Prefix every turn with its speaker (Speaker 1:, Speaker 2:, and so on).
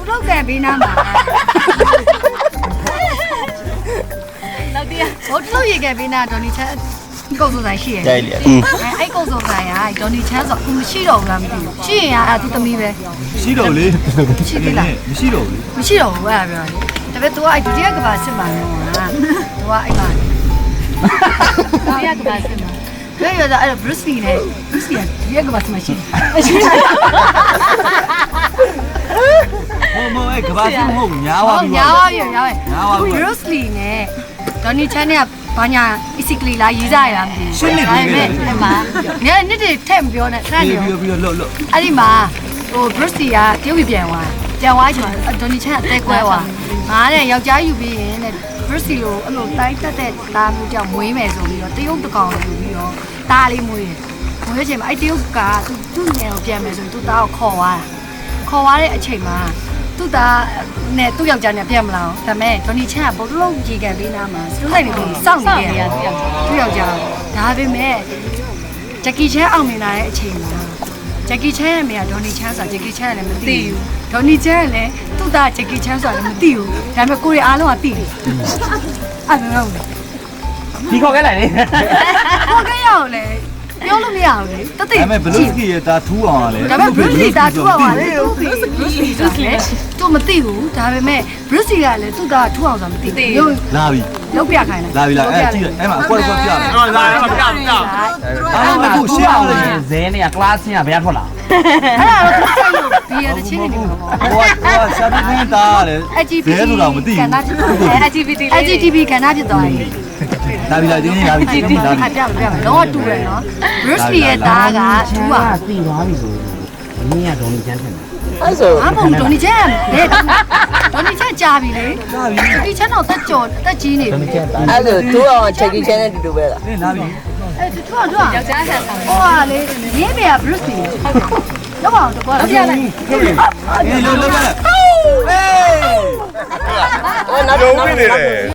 Speaker 1: လောက်ကန်ပေးနာမှာလောက်တည်းဟိုလောက်ရေကန်ပေးနာဒေါ်နီချန်ကုတ်စုံဆိုင်ရှိရဲ့အဲ့ကုတ်စုံဆိုင်ကဒေါ်နီချန်ဆိုအခုမရှိတော့ဘူးလားမသိဘူးရှိရင်အဲ့သူသမီးပဲ
Speaker 2: ရှိတော့လေ
Speaker 1: ရှိသေးလား
Speaker 2: မရှိတော့ဘူး
Speaker 1: မရှိတော့ဘူးအဲ့ဒါပြောတယ်ဒါပေမဲ့ तू အဲ့ဒုတိယကဘာစစ်မှာနော် तू ကအဲ့မှာဒုတိယကဘာစစ်မှာပြောရတာအဲ့ Bruce Lee နဲ့ Bruce Lee ဒုတိယကဘာစစ်မှာရှိ
Speaker 2: မအဲ့ကဘာစမဟုတ်ညားပါပြီ
Speaker 1: ညားပါ Bruce Lee နဲ့ Donnie Chan နဲ့ဘာညာ basically လာရေးကြရတာမသိဘူး
Speaker 2: ရှင်းနေပြီလေ
Speaker 1: အဲ့မှာညနေနေ့ထက်မပြောနဲ့ခဏနေ
Speaker 2: ပြီးတော့လွတ်
Speaker 1: အဲ့ဒီမှာဟို Bruce Lee ကတရုတ်ပြည်ပြန်သွားချိန်မှာ Donnie Chan အသက်ကွဲသွားငါတဲ့ယောက်ျားယူပြီးရင်တဲ့ Bruce Lee ကိုအဲ့လိုတိုင်းတက်တဲ့သားမျိုးကြောင့်မွေးမယ်ဆိုပြီးတော့တရုတ်တကောင်ယူပြီးတော့သားလေးမွေးချိန်မှာအဲ့တရုတ်ကသူ့ငယ်ကိုပြန်မယ်ဆိုရင်သူ့သားကိုခေါ်သွားတဲ့အချိန်မှာသူ့သားနဲ့သူ့ယောက်ျားနဲ့ပြန်မလာဘူးဒါပေမဲ့ဒေါ်နီချန်ကဘုတ်လုံးကြီးကန်ပေးနာမှာစတိုးလိုက်နေပြီးစောင့်နေတယ်သူ့ယောက်ျားဒါပေမဲ့ဂျက်ကီချန်အောင်မြင်လာတဲ့အချိန်မှာဂျက်ကီချန်ရဲ့အမေကဒေါ်နီချန်ဆိုတာဂျက်ကီချန်ကလည်းမသိဘူးဒေါ်နီချန်ကလည်းသူ့သားဂျက်ကီချန်ဆိုတာလည်းမသိဘူးဒါပေမဲ့ကိုရီအားလုံးကသိတယ်အဲ့လိုမျိုး
Speaker 3: ဒီခေါ်ခဲ့လိုက်လေ
Speaker 1: ခေါ်ခဲ့ရအောင်လေပြောလို့မရဘူးလေတသိ
Speaker 2: ဒါပေမဲ့ဘလူးစကီရဲ့ဒါထူးအောင်လေ
Speaker 1: ဒါပေမဲ့ Bruce Lee ဒါထူးအောင်ပါလေ Bruce Lee ဆိုလေသူမသိဘူးဒါပေမဲ့ Bruce Lee ကလည်းသူ့သားထူးအောင်ဆိုတာမသိဘူး
Speaker 2: လာပြီ
Speaker 1: လောက်ပြခိုင်း
Speaker 2: လာပြီလားအဲ့ကြည့်အဲ့မှာအကွက်ပြတယ်
Speaker 3: လာပြ
Speaker 2: အားလုံးကရှင်းအောင်လေ
Speaker 3: ဇဲနေက class ကဘယ်ထွက်လာ
Speaker 1: အဲ့ဒါတော့သူ့ဆိုင်လို့ဘီရတဲ့ချင်းနေတယ်
Speaker 2: ဟိုရှာပြီးနေတာလေဘယ်လိုတော့မသိဘူး
Speaker 1: LGBT ကဏ္ဍဖြစ်သွားပြီ
Speaker 2: လာပြီလားဒီနေ့လာပြီဒီနေ့လာပြီ
Speaker 1: ပြတော့တူတယ်နော် Bruce Lee ရဲ့သားကသူက
Speaker 3: သိသွားပြီဆိုမင်းကဒေါ်နီချန်ထင်တယ်
Speaker 4: အဲ့ဆို
Speaker 1: အမဒေါ်နီချန်လေဒေါ်နီချန်ကြာပြီလေကြာပြီဒီချန်တော့တက်ကြော်တက်ကြီးနေပြီ
Speaker 4: အဲ့ဆိုသူ့အောင်ချက်ကြီးချမ်းတဲ့တူတူပဲလား
Speaker 2: လာပြီ
Speaker 1: အဲ့သူကယောက်ျားဆန်ဆောင်ဟိုဟာလေရင်းပြ Bruce Lee လောက်အောင်တော့လောက်ပြလိုက်
Speaker 2: အေးလောလောဟေး
Speaker 4: နောက်